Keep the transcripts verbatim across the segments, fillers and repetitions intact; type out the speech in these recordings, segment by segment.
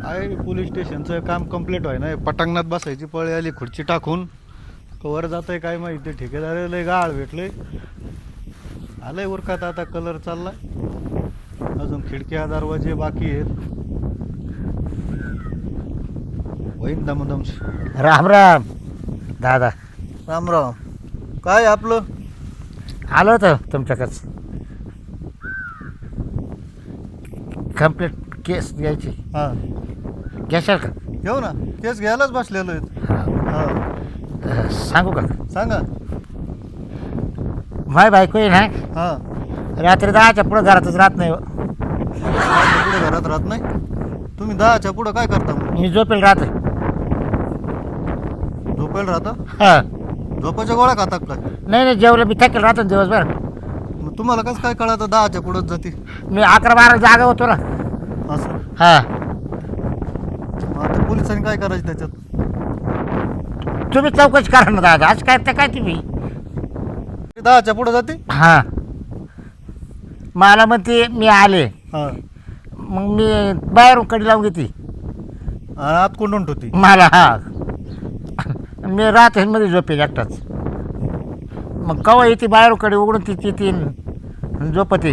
आहे पोलीस स्टेशनचं काम कम्प्लीट व्हाय ना पटांगणात बसायची पळी आली खुर्ची टाकून कवर जात आहे काय माहिती ठेकेदार लय गाळ भेटले आलंय उरकात आता कलर चाललाय अजून खिडक्या दरवाजे बाकी आहेत होईन दमदम. राम राम दादा. राम राम. काय आपलं आलो होतं तुमच्याकडच कंप्लीट केस घ्यायची. हां घ्याशाल का? घेऊ ना केस घ्यायलाच बसलेलो आहेत. हां हां सांगू का? सांगा. माय बायको आहे ना हां रात्री दहाच्या पुढं घरातच राहत नाही हो. दहाच्या पुढे घरात राहत नाही. तुम्ही दहाच्या पुढं काय करता मग? मी झोपेल राहते. झोपायला राहता? हां झोपाच्या गोळ्या खाता काय? नाही नाही जेवलं मी थकेल राहतो ना दिवसभर. मग तुम्हाला कसं काय कळतं दहाच्या पुढंच जाते? मी अकरा बारा जागा होतो ना. असं हां मग आता पोलिसांनी काय करायचं त्याच्यात? तुम्ही चौकशी करा ना दादा. आज काय ते काय तुम्ही दहाच्या पुढं जाते? हां मला म्हणते मी आले हां मग मी बाहेरून कडी लावून घेते आणि आत कोंडून ठेवती. मला. हा मी राहते मध्ये झोपेल एकटाच. मग कवा येते बाहेरून कडे उघडून तिची तीन झोपते.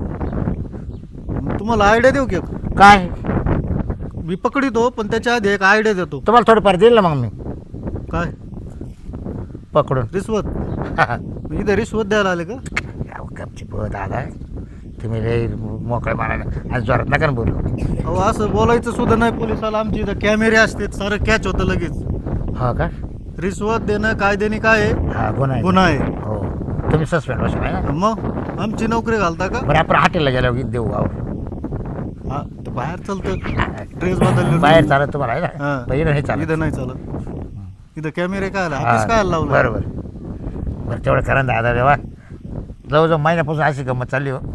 मग तुम्हाला आयडिया देऊ की? काय मी पकडितो पण त्याच्या आधी एक आयडिया देतो. तुम्हाला थोडंफार देईल ना मग मी काय? पकडून. रिश्वत? मी इथे रिश्वत द्यायला आले का? गपची पोत दादा तुम्ही रे मोकळे मारायला आज जोरात नका ना बोलू. अहो असं बोलायचं सुद्धा नाही पोलिसाला. आमची इथं कॅमेरे असतात सारं कॅच होतं लगेच. हो का? रिश्वत देणं कायद्याने काय आहे? हा गुन्हा आहे. गुन्हा आहे. हो तुम्ही सस्पेंड बसा आहे ना. मग आमची नोकरी घालता का? बरं आपण हॉटेलला गेल्यावर देऊ गाव. हा तर बाहेर चालतं ड्रेस बदलले बाहेर चालत तुम्हाला आहे हा. ना पहिलं नाही चालत. इथं नाही चालत. इथं कॅमेरे काय हा. ऑफिस काय लावलं? बरोबर बरं तेवढं करा ना दादा देवा. जवळजवळ महिन्यापासून अशी गंमत चालली हो.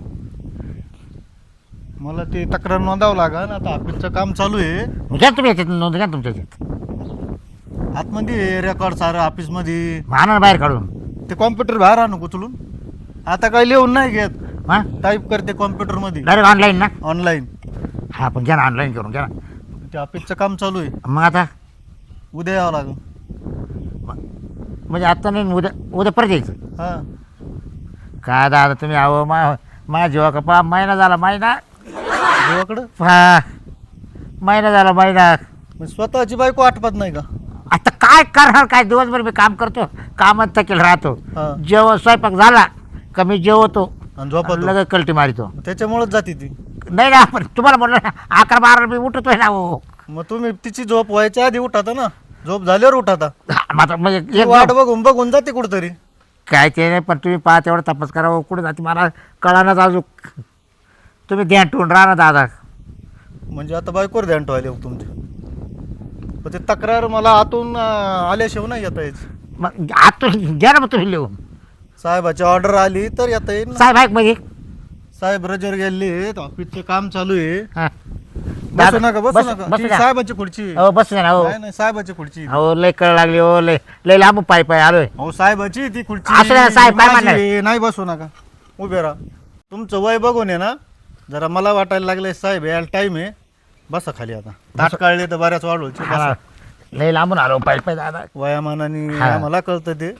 मला ते तक्रार नोंदावं लागेल. आता ऑफिसचं काम चालू आहे. घ्या तुम्ही याच्यात नोंद घ्या तुमच्या याच्यात. आतमध्ये रेकॉर्ड सारं ऑफिसमध्ये. आणा ना बाहेर काढून. ते कॉम्प्युटर बाहेर आणू उचलून. आता काय लिहून नाही घेत. हां टाईप करते कॉम्प्युटरमध्ये डायरेक्ट ऑनलाईन ना. ऑनलाईन. हा पण घ्या ना ऑनलाईन करून घ्या ना. ते ऑफिसचं काम चालू आहे. मग आता उद्या यावं लागेल. म्हणजे आत्ता नाही उद्या उद्या परत यायचं. हां काय दादा तुम्ही अहो मा माझ्या जीवा का पा महिना झाला महिना. देवाकडं हा महिना झाला महिना. मग स्वतःची बायको आठवत नाही का? आता काय करणार काय दिवसभर मी काम करतो कामात थकेल राहतो. हा. जेवण स्वयंपाक झाला का मी जेवतो आणि झोपतो. लगेच कलटी मारितो. त्याच्यामुळेच जाते ती. नाही ना पण तुम्हाला म्हटलं ना अकरा बारा मी उठतोय ना हो. मग तुम्ही तिची झोप व्हायच्या आधी उठाता ना. झोप झाल्यावर उठाता. मात्र म्हणजे ती एक वाट बघून बघून जाते कुठतरी. काय ते नाही पण तुम्ही पाहा तेवढं तपास करा कुठे जाते मला कळानाच अजून. तुम्ही ध्यान ठेवून राहा ना दादा. म्हणजे आता बायकोवर ध्यान ठेवायला येऊ तुमचे. पण ते तक्रार मला आतून अं, आल्याशिवाय नाही येता यायची. मग आतून घ्या ना मग तुम्ही लिहून. साहेबाची ऑर्डर आली तर येता येईल ना. साहेब आहे म्हणजे साहेब रजेवर गेले ऑफिसचं काम चालू आहे. हां बसू नका बसू बस- नका. बसू ती द्या. साहेबाची खुर्ची आहे. हो बस ना हो. नाही नाही साहेबाची खुर्ची. हो लय कळ लागली हो लय लय लांब पाय पाय आलोय. हो साहेबाची ती खुर्ची. असू द्या, साहेब काय माझी म्हणणार? आहे. नाही बसू नका उभे राहा. तुमचं वय बघून आहे ना जरा मला वाटायला लागलंय साहेब यायला टाइम आहे. बसा खाली आता. ताट काढले तर बऱ्याच वाढवचे. हा, लय लांबून आलो पाय पाय दादा. वयामानाने हा. आम्हाला कळतं ते.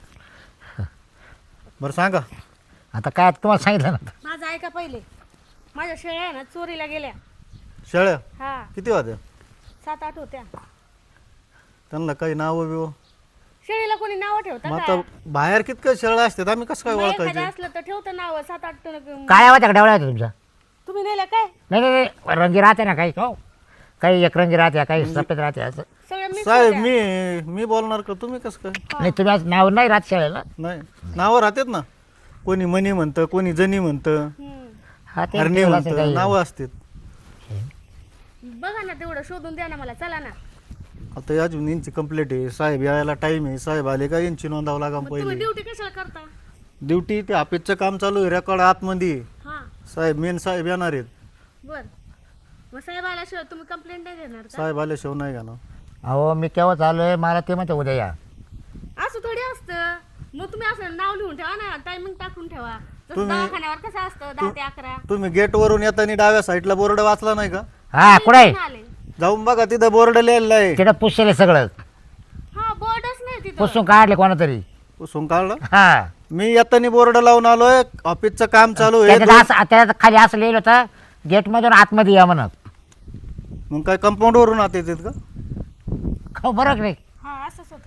बरं सांगा. आता काय तुम्हाला सांगितलं ना. माझं ऐका पहिले. माझ्या शेळ्या आहे ना चोरीला गेल्या. शेळ्या हा किती वाजता? सात आठ होत्या. त्यांना काही नाव बिव? शेळीला कोणी नाव ठेवतं मग का? आता बाहेर कितकं शेळ्या असतात आम्ही कसं काय मग एखादं ओळखायचे? असलं तर ठेवतं नाव सात आठ टन- काय आवाज आहे डेवळा तुमचा? तुम्ही नेल्या काय नाही नाही नाही रंगी राहते ना काही हो काही एक रंगी राहते काही सफेद राहते असं. सगळ्या मिक्स साहेब होत्या. मी मी बोलणार का तुम्ही कसं काय? नाही तुम्ही आज नाव नाही राहत शाळेला. नाही नावं राहतात ना. कोणी मनी म्हणतं कोणी जनी म्हणतं हम्म. हा ते हरणी ठेवलं असेल म्हणतं काही. नावं असतात. बघा ना तेवढं शोधून द्या ना मला. चला ना. आता अजून यांची कंप्लेंट आहे. साहेब यायला टाइम आहे. साहेब आले का यांची नोंदावं लागा मग तुम्ही पहिले. ड्युटी कशाला करता? ड्युटी ते ऑफिसचं काम चालू आहे. रेकॉर्ड आतमध्ये आहे. हा साहेब मेन साहेब येणार आहेत. बर. मग साहेब आल्याशिवाय तुम्ही कंप्लेंट नाही देणार का? साहेब आल्याशिवाय नाही का ना. अहो मी केव्हा चालू मला ते म्हणते उद्या या. असं थोडी असतं. मग तुम्ही असं नाव लिहून ठेवा ना. टायमिंग टाकून ठेवा. जसं तुम्ही- दवाखान्यावर कसं असतं दहा ते अकरा. तुम्ही गेट वरून येताना डाव्या साईडला बोर्ड वाचला नाही का? हा कुठे आहे? कुठून आले? जाऊन बघा तिथं बोर्ड लिहिलेला आहे. तिथं पुसले सगळं हा बोर्डच नाही तिथं. पुसून काढले कोणातरी. पुसून काढलं. हा मी येताना बोर्ड लावून आलोय ऑफिसचं काम चालू आहे. त्याच्यात असं त्याच्यात खाली असं लिहिलं होतं गेट मधून आतमध्ये या म्हणत. मग काय कंपाऊंड वरून आत येतात का? हो बरोबर नाही. हा असंच होतं.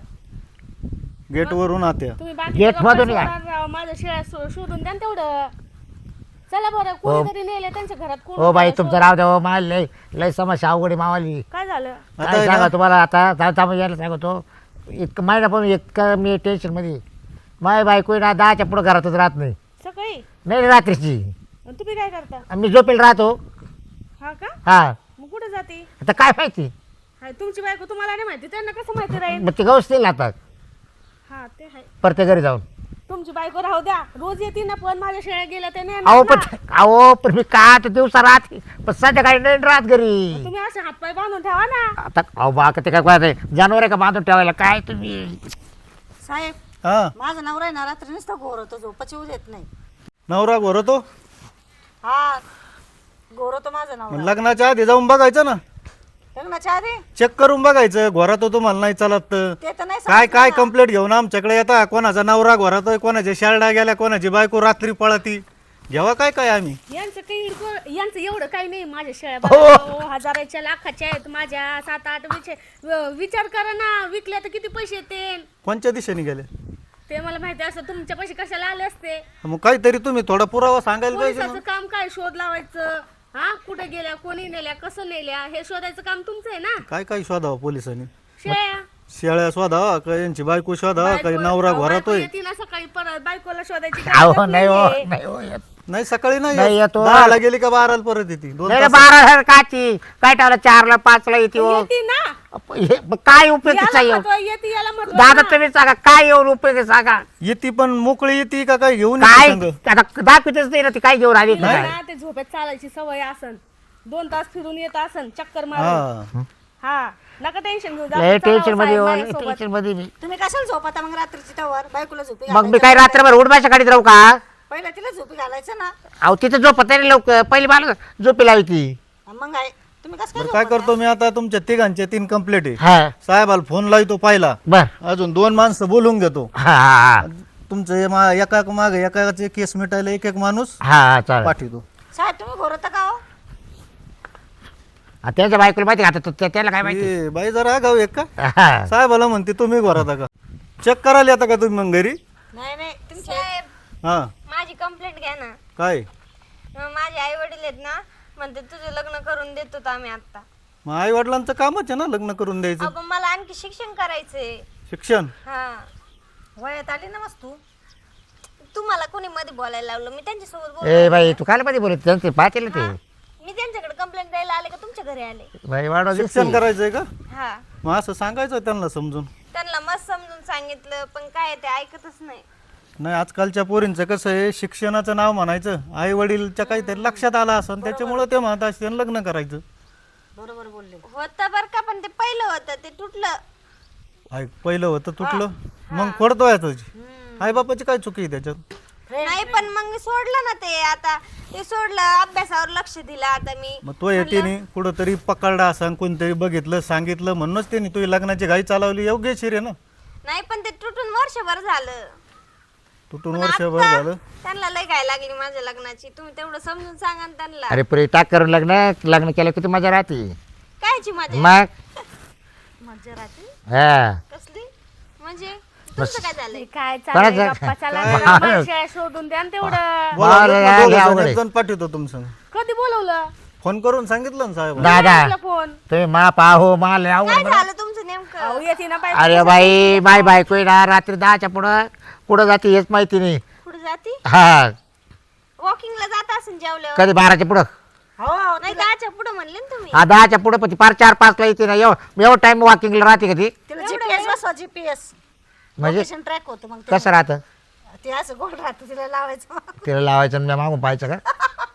गेट वरून आत या. तुम्ही बाकी गेट मधून या. माझ्या शेळ्या शो- शोधून द्या ना तेवढं. चला बरं कोणीतरी नेले त्यांच्या घरात कोण हो बाई होतं तुमचं शोध. राव द्या मला लय लय समस्या अवघडी मावाली. काय झालं? आता काय आहे सांगा ना, तुम्हाला आता जा- जा- यायला सांगतो इतकं महिना पण इतकं मी टेन्शन मध्ये माय बायको ना दहाच्या पुढे घरातच राहत नाही. सकाळी नाही रे, रात्रीची आणि तुम्ही काय करता? मी झोपेल राहतो. हा का? हा मग कुठे जाते? आता काय माहिती हाय तुमची बायको तुम्हाला नाही माहिती त्यांना कसं माहिती राहील? मग ते गवस नाही आता हा ते आहे. परत घरी जाऊन. तुमची बायको राहू द्या रोज येते ना पण माझ्या शेळ्या गेल्या ते नाही अहो येणार पण ना. अहो पण मी का आता दिवसा राहते पण संध्याकाळी नाही राहत घरी. तुम्ही असे हातपाय बांधून ठेवा ना. आता अहो बा ते काय काय जनावर आहे का बांधून ठेवायला काय तुम्ही. साहेब हा माझा नवरा आहे ना रात्री नुसता घोरतो झोपाची येऊ देत नाही. नवरा घोरतो. हा घोरतो माझा मग नवरा. लग्नाच्या आधी जाऊन बघायचं ना, लग्नाच्या आधी चेक करून बघायचं. घोरातो तुम्हाला नाही चालत तर. ते तर नाही काय सांगितलं काय ना. कंप्लेंट घेऊन आमच्याकडे येता. कोणाचा नवरा घोरातोय, कोणाच्या शाळा गेल्या, कोणाची बायको रात्री पळती. घेवा काय काय आम्ही. यांचं काही इडको- यांचं एवढं काही नाही. माझ्या शेळ्या हो. बाबा हजाराच्या लाखाच्या आहेत माझ्या. सात आठ विचार विचार करा ना विकल्या तर किती पैसे येते कोणत्या दिशेने गेले ते मला माहिती असं तुमच्या पैसे कशाला आले असते. मग काहीतरी तुम्ही थोडा पुरावा सांगायला पाहिजे ना. पोलिसाचं काम काय शोध लावायचं. हा कुठे गेल्या कोणी नेल्या कसं नेल्या हे शोधायचं काम तुमचं आहे ना. काय काय शोधावं पोलिसांनी. शेळ्या शेळ्या शोधावा का यांची बायको शोधावा का बायको- नवरा अहो, बायको घोरातोय. येते ना सकाळी परत बायकोला शोधायची अहो गरज नाही हो नाहीये. नाही हो येत. नाही सकाळी नाही नाही येत. येतो. दहाला गेली का बाराला परत येते. दोन नाही रे, तास. बारा हजार काची काय ठेवलं चारला पाचला येते हो. येते ना हे मग काय उपयोगीचा याला येऊ महत्व आहे, येते याला महत्व आहे दादा ना. तुम्ही सांगा काय येऊन उपयोग आहे सांगा. येते पण मोकळी येते का काय घेऊन काय येते संग? आता दाखवतेच नाही ना ती काय घेऊन आली का तिला काय. ना ते झोपेत चालायची सवय असन दोन तास फिरून येत असन चक्कर मारून. हा हा नका टेन्शन घेऊ लय चला टेन्शन मध्ये साहेब हो, लय माझ्यासोबत. टेन्शन मध्ये मी. तुम्ही कशाला झोपता मग रात्रीची टवर बायकोला झोपी मग मी घालायचं. काय रात्रभर उडबाच्या गाडीत राहू का. पहिला तिला झोपी घालायचं ना. अहो तिथं झोपत नाही लवकर पहिली मला झोपी लावी ती. मग काय तुम्ही कसं बरं काय काय करतो मी आता तुमच्या तिघांचे तीन कंप्लेंट आहे. हा साहेबाला फोन लावतो पहिला. बर अजून दोन माणसं बोलून घेतो. हा हा तुमचं हे मा- एका माग एकाचे केस मिटायला एक एक माणूस हा हा चालेल. पाठवतो. साहेब तुम्ही घोरता का हो? आ, त्यांच्या बायकोला माहिती का आता तो- त्या- त्याला काय माहिती. ए, बाई जरा गाव एक का हा. साहेबाला म्हणते तुम्ही घरात का चेक करायला येता का तुम्ही मग घरी. नाही नाही तुमचे साहेब हा माझी कंप्लेंट घ्या ना. काय अं, माझे आई वडील आहेत ना म्हणते तुझं लग्न करून देतो तर आम्ही आता. मग आई वडिलांचं कामच आहे ना लग्न करून द्यायचं. अगं मला आणखी शिक्षण करायचंय. शिक्षण हा वयात आली ना मस्त तू. तुम्हाला कोणी मध्ये बोलायला लावलं मी त्यांच्यासोबत ए बोल बाई तू काय मध्ये बोलत त्यांचे पाहतील ते मी त्यांच्याकडे कंप्लेंट द्यायला आले का तुमच्या घरी आले. बाई वाढवा शिक्षण दिसते. करायचंय का. हा मग असं सांगायचं त्यांना समजून. त्यांना मस्त समजून सांगितलं पण काय ते ऐकतच नाही. नाही आजकालच्या पोरींचं कसं आहे शिक्षणाचं नाव म्हणायचं आई वडीलच्या काहीतरी लक्षात आलं असं त्याच्यामुळं ते म्हणत असते लग्न करायचं. बरोबर बोलले. होतं बरं का पण ते पहिलं होतं ते तुटलं. आई पहिलं होतं तुटलं मग खोडतोय तुझी आई बापाची काय चुकी आहे त्याच्यात. नाही पण मग सोडलं ना ते आता ते सोडलं अभ्यासावर लक्ष दिलं आता मी. मग तो येते कुठंतरी पकडला असं कोणतरी बघितलं सांगितलं म्हणूनच त्यांनी तुझी लग्नाची घाई चालवली योग्यशीर आहे ना. नाही पण ते तुटून वर्षभर झालं. तुटून पण वर्षभर आता झालं. त्यांना लय काय लागली माझ्या लग्नाची तुम्ही तेवढं समजून सांगा ना त्यांना. अरे पुरे टाक करून लग्न लग्न केलं किती मजा राहते कायची मजा मग. मजा राहते हा कसली म्हणजे तुमचं काय झालंय. हे काय चाललंय कोणाचं? गप्पा चला काय? जरा मला शेळ्या शोधून द्या ना तेवढं. बोलावलं बरं, ना लय दोघं जण, अवघड आहे. एक जण पाठवतो तुमचं. कधी बोलवलं फोन करून सांगितलं ना साहेब. दादा फोन तुम्ही मा पाहो मा लय काय अवघड. झालं तुमचं नेमकं. अहो येते ना बायको. अरे बाई माय बायको आहे ना रात्री दहाच्या पुढं कुठं जाते हेच माहिती नाही. कुठे जाती हा वॉकिंगला जात असेल जेवल्यावर. कधी बाराच्या पुढं हो हो नाही दहाच्या पुढे म्हणले ना तुम्ही. हा दहाच्या पुढं पण ती पार चार पाचला येते ना एवढं एवढं टाइम वॉकिंगला राहते का ती तिला जीपीएस बसवा जीपीएस म्हणजे लोकेशन ट्रॅक होतं मग ते. कसं राहतं ते असं गोल राहतं तिला लावायचं. तिला लावायचं आणि मी मागून पाहायचं का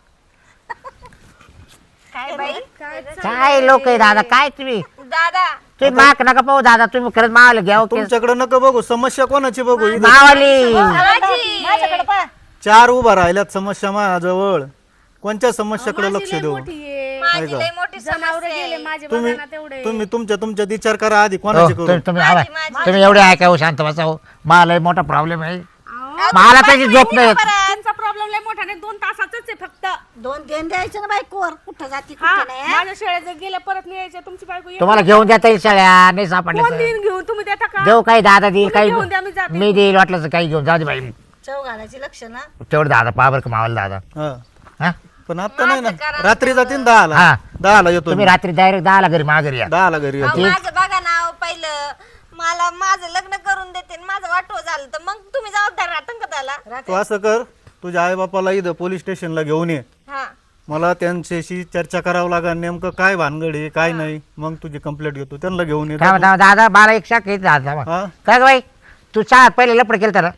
काय बाई काय लोक आहे दादा काय तुम्ही दादा तुम्ही माक नका पाहू दादा तुम्ही खरंच मावाला घ्या तुमच्याकडे नका बघू समस्या कोणाची बघू इथं मावाली बाबाजी. माझ्याकडे पहा. चार उभा राहिल्यात समस्या माझ्याजवळ कोणत्या समस्याकडे माझी लक्ष लय देऊ. मोठी आहे. माझी ऐका. लय मोठी जनावर समस्या गेले आहे. माझे तुम्ही बघा ना तेवढे तुम्ही तुमच्या तुमच्यात विचार करा आधी हो, कोणाची करू तुम्ही तुम्ही माझी- आवा. माझी. तुम्ही एवढे ऐका हो, शांत बसा हो. मला लय मोठा प्रॉब्लेम आहे. अहो, मला त्याची झोप नाही येत. तुमचा प्रॉब्लेम लय मोठा नाही, दोन तासाचाच आहे फक्त. दोन देण द्यायचे ना बायकोवर कुठं जाती हा कुठं नाही हा? माझ्या शाळेत जर गेल्या परत नाही यायच्या तुमची बायको येईल. तुम्हाला घेऊन देता येईल शाळ्या नाही सापडल्या कोण तर. देईन घेऊन तुम्ही देता का? देऊ काही दादा देईल तुम्ही काही घेऊन द्या, मी जाते. मी देईल वाटलं तर काही घेऊन जाऊ दे बाई. चव घालायची लक्ष ना तेवढं दादा पहा बरं का मावाला दादा. हा हा पण आता नाही ना माझं करा रात्री जातील दहाला हा. दहाला येतो तुम्ही मी. रात्री डायरेक्ट दहाला घरी माघारी या. दहाला घरी अहो, येतो माझं बघा ना अहो, पहिलं मला माझं लग्न करून देते आणि माझं वाटव झालं तर मग तुम्ही जबाबदार राहता का त्याला तू असं कर तुझ्या आई बापाला इथं पोलीस स्टेशनला घेऊन ये हा मला त्यांच्याशी चर्चा करावं लागेल नेमकं काय भानगड आहे काय नाही मग तुझी कंप्लेंट घेतो त्यांना घेऊन ये थांबा थांबा दादा मला एक शाख येते दादा थांबा. हा काय ग बाई तू शाळेत पहिले लपड केलं तर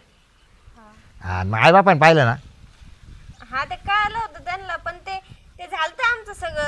हा मग आई बापाने पाहिलं ना. हा ते कळलं होतं त्यांना पण ते ते झालं आमचं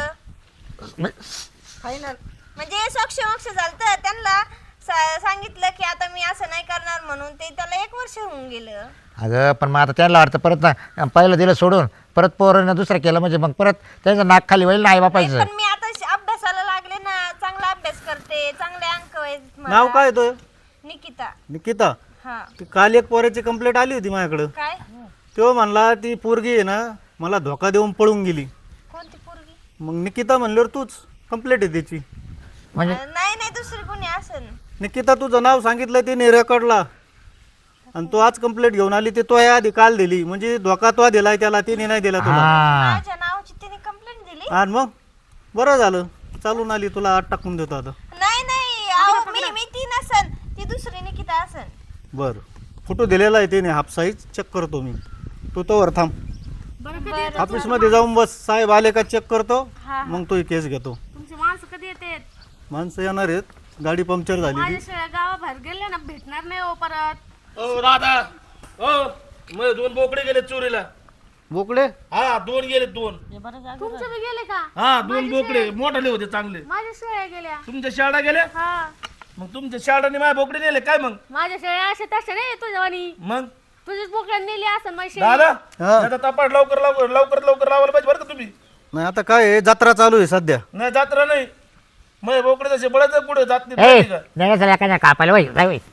सगळं फायनल म्हणजे सोक्ष मोक्ष झालं त्यांना सा- सांगितलं की आता मी असं नाही करणार म्हणून ते त्याला एक वर्ष होऊन गेलं. अगं पण मग आता त्यांना वाटतं परत ना पहिलं दिलं सोडून परत पोरांना दुसरं केलं म्हणजे मग परत त्यांचं नाक खाली होईल ना आई नाही, बापायचं. पण मी आता श- अभ्यासाला लागले ना चांगला अभ्यास करते चांगले अंक आहेत मला. नाव काय तो निकिता निकिता हा ती काल एक पोराची कंप्लेंट आली होती माझ्याकडं काय तो म्हणला ती पोरगी आहे ना मला धोका देऊन पळून गेली कोणती पोरगी मग निकिता म्हणल्यावर तूच कंप्लेंट आहे त्याची म्हणजे अं, नाही नाही दुसरी कोणी असन निकिता तुझं नाव सांगितलं तिने रेकॉर्डला आणि तू आज कंप्लेंट घेऊन आली ते तो आधी काल दिली म्हणजे धोका तो दिलाय त्याला तिने नाही दिला तुला हा माझ्या नावाची तिने कंप्लेंट दिली आणि मग बरं झालं चालून आली तुला आत टाकून देतो आता नाही नाही अहो मी मी ती नसन ती दुसरी निकिता असन. बरं फोटो दिलेला आहे तिने हाफ साईज चेक करतो मी तू तोवर थांब बरं कधी येतात? ऑफिसमध्ये जाऊन बस साहेब आले का चेक करतो हा. मग तो केस घेतो तुमची माणसं कधी येते? माणसं येणार आहेत गाडी पंक्चर झाली माझ्या ती शाळा गावाबाहेर गेले ना भेटणार नाही हो परत. ओ दादा ओ मग दोन बोकडे गेले चोरीला. बोकडे हा दोन गेले दोन. तुमचे बी गेले का? हा दोन बोकडे मोठाले होते चांगले. माझ्या शाळा गेल्या. तुमच्या शाळा गेले हा मग तुमच्या शाळाने माझ्या बोकडे नेले काय मग माझ्या शाळा असे तसे नाही तुझ्या वाणी. मग तुझीच बोकड्या नेली असं माझी शाळा. दादा हा. आता तपास लवकर लवकर लवकर लवकर लावायला पाहिजे बरं का तुम्ही. नाही आता काय आहे जत्रा चालू आहे सध्या नाही जात्रा नाही मग बोकडे तसे बळाच पुढे जात नाही ए माहिती का नाही चला एखाद्या कापायला वय जाय वय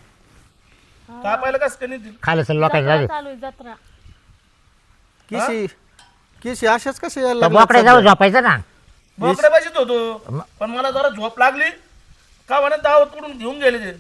कापायला कसं काय नेतील खाली सर लोकांनी जाऊ चालू आहे जत्रा. किशी किशी अशाच कसे यायला तर लागल्यात बोकडे सध्या? जाऊ झोपायचं ना. बोकडे पाहिजेच होतो पण मला जरा झोप लागली का म्हणत दावत कडून घेऊन गेले ते.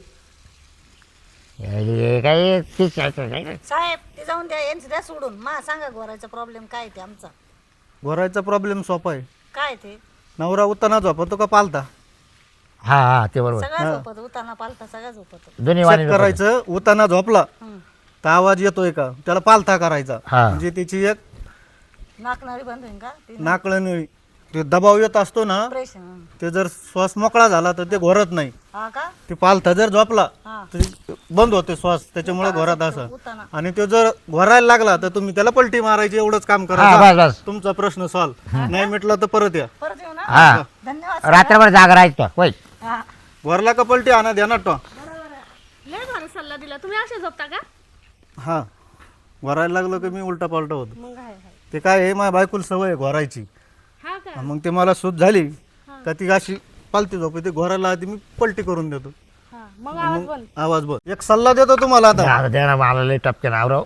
हे काय तीच आहे, काय नाही. साहेब ते जाऊन द्या यांचं द्या सोडून मा सांगा गोरायचा प्रॉब्लेम काय ते आमचा घोरायचा प्रॉब्लेम सोपा आहे काय ते नवरा उत्ताना झोपतो का पालता हा हा ते बरोबर सगळा झोपत उताना पालता सगळा झोपत दोन्ही वाणी चेक करायचं उत्ताना झोपला तर आवाज येतोय का त्याला पालथा करायचा हा. म्हणजे त्याची एक नाकणारी बंद होईन का ते नाकळणी ते दबाव येत असतो ना ऑपरेशन ते जर श्वास मोकळा झाला तर ते घोरत नाही हा का ते पालथा जर झोपला हा तर बंद होते श्वास त्याच्यामुळे घोरात असं उताना आणि तो जर घोरायला लागला तर तुम्ही त्याला पलटी मारायची एवढंच काम हा करा बस बस तुमचा प्रश्न सॉल्व नाही मिटला तर परत या परत येऊ ना हा धन्यवाद रात्रभर जागा राहायचं वय हा घोरला का पलटी आणा ध्यानात ठेवा. लय भारी सल्ला दिला. तुम्ही असे झोपता का? हा घोरायला लागलो की मी उलटा पालटा होतो मग आहे आहे. ते काय आहे माझ्या बायकोला सवय आहे घोरायची हा का? मग ते मला सूट झाली का ती अशी पालती झोप ते घोरायला आधी मी पलटी करून देतो हा मग आवाज बंद. आवाज बघ एक सल्ला देतो तुम्हाला आता आता द्या मला लय टपके नावराव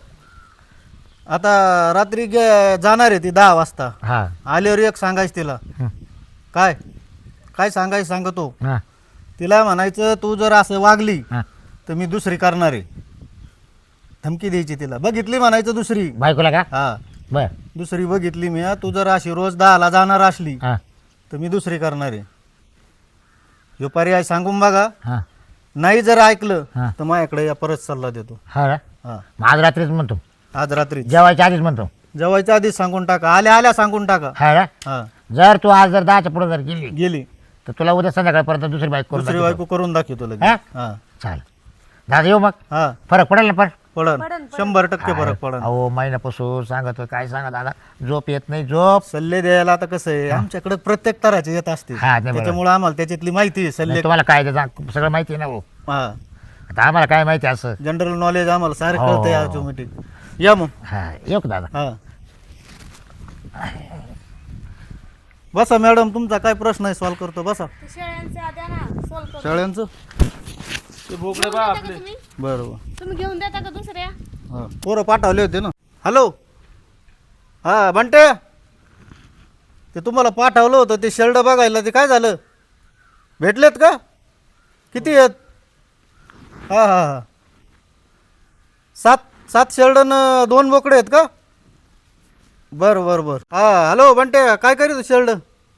आता रात्री गे- जाणार आहे ती दहा वाजता हा आल्यावर एक सांगायचं तिला हं. काय काय सांगायचं सांगतो हा तिला म्हणायचं तू जर असं वागली हा तर मी दुसरी करणार आहे धमकी द्यायची तिला बघितली म्हणायचं दुसरी बायकोला का हा बर दुसरी बघितली मी हा. तू जर अशी रोज दहाला जाणार असली हा तर मी दुसरी करणार आहे ह्यो पर्याय सांगून बघा हा नाही जर ऐकलं हा. तर माझ्याकडे या परत सल्ला देतो हा ना हा मग आज रात्रीच म्हणतो आज रात्री जेवायच्या आधीच म्हणतो जेवायच्या आधीच सांगून टाका आल्या आल्या सांगून टाका हा ना हा जर तू आज जर दहाच्या पुढे जर गेली गेली तर तुला उद्या संध्याकाळपर्यंत दुसरी बाईक करून दुसरी दाखवतो. बायको करून दाखवतो लगेच हा? हा चालेल दादा येऊ मग हा फरक पडेल ना पण पडन शंभर टक्के फरक पडन अहो महिन्यापासून सांगतो काय सांगा दादा झोप येत नाही झोप सल्ले द्यायला आता कसं आहे आमच्याकडे प्रत्येक तराचे येत असते हा, ते बरोबर. त्याच्यामुळे आम्हाला त्याच्यातली माहिती आहे सल्ले तुम्हाला काय ते सांग- सगळं माहिती आहे ना भाऊ हा आता आम्हाला काय माहिती आहे असं जनरल नॉलेज आम्हाला सारं हो. कळतंय ऑटोमॅटिक या मग हा येऊ का दादा हा बसा मॅडम, तुमचा काय प्रश्न आहे सॉल्व करतो, बसा. ते शेळ्यांचे द्या ना सोल करून. शाळ्यांचं ते बोकडे घेऊन बा देता का आपले तुम्ही बरोबर. तुम्ही घेऊन देता का दुसऱ्या? हां पोरं पाठवले होते ना. हॅलो हां बंटे, ते तुम्हाला पाठवलं होतं ते शेल्ड बघायला, ते काय झालं? भेटलेत का? किती आहेत? हां हां हां सात सात शेल्ड न दोन बोकडे आहेत का? बरं बरं बरं. हां हॅलो बंटे, काय करीत शेल्ड?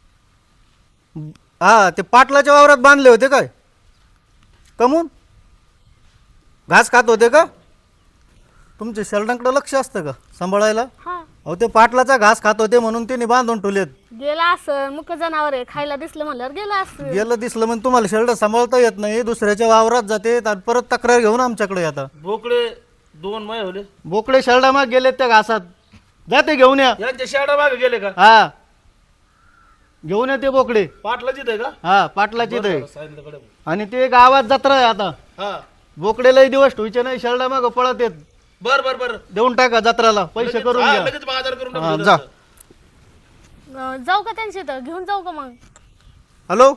हां ते पाटलाच्या वावरात बांधले होते काय? कमून घास खात होते का? तुमच्या शेल्डांकडे लक्ष असतं का सांभाळायला? हा अहो ते पाटलाचा घास खात होते म्हणून त्यांनी बांधून ठेवलेत. गेला असं मुक जनावर आहे, खायला दिसलं म्हणल्यावर गेला असं. गेलं दिसलं म्हणजे तुम्हाला शेल्ड सांभाळता येत नाही, दुसऱ्याच्या वावरात जाते आणि परत तक्रार घेऊन आमच्याकडे येतात. बोकडे दोन मय होले, बोकडे शेल्डा माग गेलेत त्या घासात, जाते घेऊन या. यांच्या शेडा मागे गेले का? हा घेऊन या ते बोकडे. पाटला जिथे का? हा पाटलाची ते. सांगितलं कडे. आणि ते गावात जत्रा आहे आता, हा बोकडे लई दिवस ठेवायचे नाही, शेल्डा माग पळत येत. बर बर बर. देऊन टाका जत्राला, पैसे लगेच- करून हा, घ्या. लगेच बाजार करून हा, टाकू जा. अं, जाऊ का त्यांच्या इथं घेऊन जाऊ का मग? हॅलो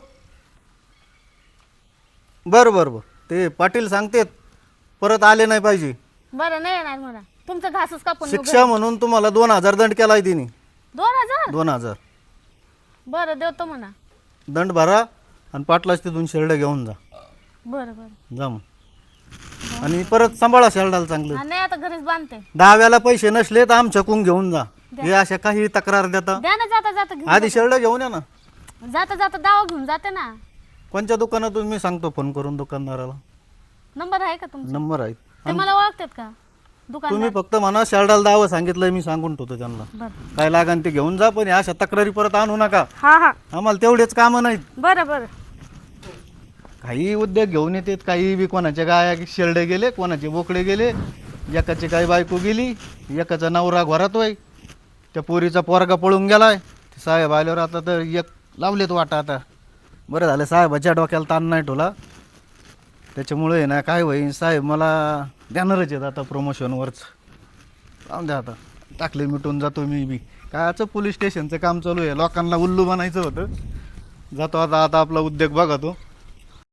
बरं बरं बरं, ते पाटील सांगतेत परत आले नाही पाहिजे. बरं नाही येणार मला, तुमचा घासच कापून नेऊ शिक्षा म्हणून तुम्हाला दोन हजार दंड केलाय तिने. घरी. दोन हजार दोन हजार बरं देतो म्हणा. दंड भरा आणि पाटलाच तिथून शेल्ड घेऊन जा. बरं बरं जा मग. आणि परत सांभाळा शेल्डाला चांगलं. हा, नाही आता घरीच बांधते. दहाव्याला पैसे नसले तर आमच्याकडून घेऊन जा. हे अशा काही तक्रार देता, द्या ना जाता जाता घेऊन आधी शेल्ड घेऊन या ना. जाता जाता दावा घेऊन जाते ना. कोणत्या दुकानातून मी सांगतो फोन करून दुकानदाराला, नंबर आहे का तुमचा? नंबर आहे. ते मला ओळखतात का दुकान? तुम्ही फक्त म्हणा शेल्डाला दावं सांगितलंय मी, सांगून ठेवतो त्यांना. बरं काय लागन ते घेऊन जा, पण अशा तक्रारी परत आणू नका. हा हा आम्हाला तेवढेच कामं नाहीत. बरं बरं. काही उद्योग घेऊन येतात, काही बी कोणाचे गाया शेरडे गेले, कोणाचे बोकडे गेले, एकाची काही बायको गेली, एकाचा नवरा घरात होय, त्या पोरीचा पोरगा पळून गेलाय. ते साहेब आल्यावर आता तर एक लावलेत वाटा. आता बरं झालं साहेबाच्या डोक्याला ताण नाही ठेवला, त्याच्यामुळे आहे ना काय होईन, साहेब मला देणारच आहेत आता प्रमोशनवरच. जाऊन द्या आता, टाकले मिटून जातो मी बी. कायचं पोलीस स्टेशनचं काम चालू आहे, लोकांना उल्लू बनायचं होतं. जातो आता आता आपला उद्योग बघा तो.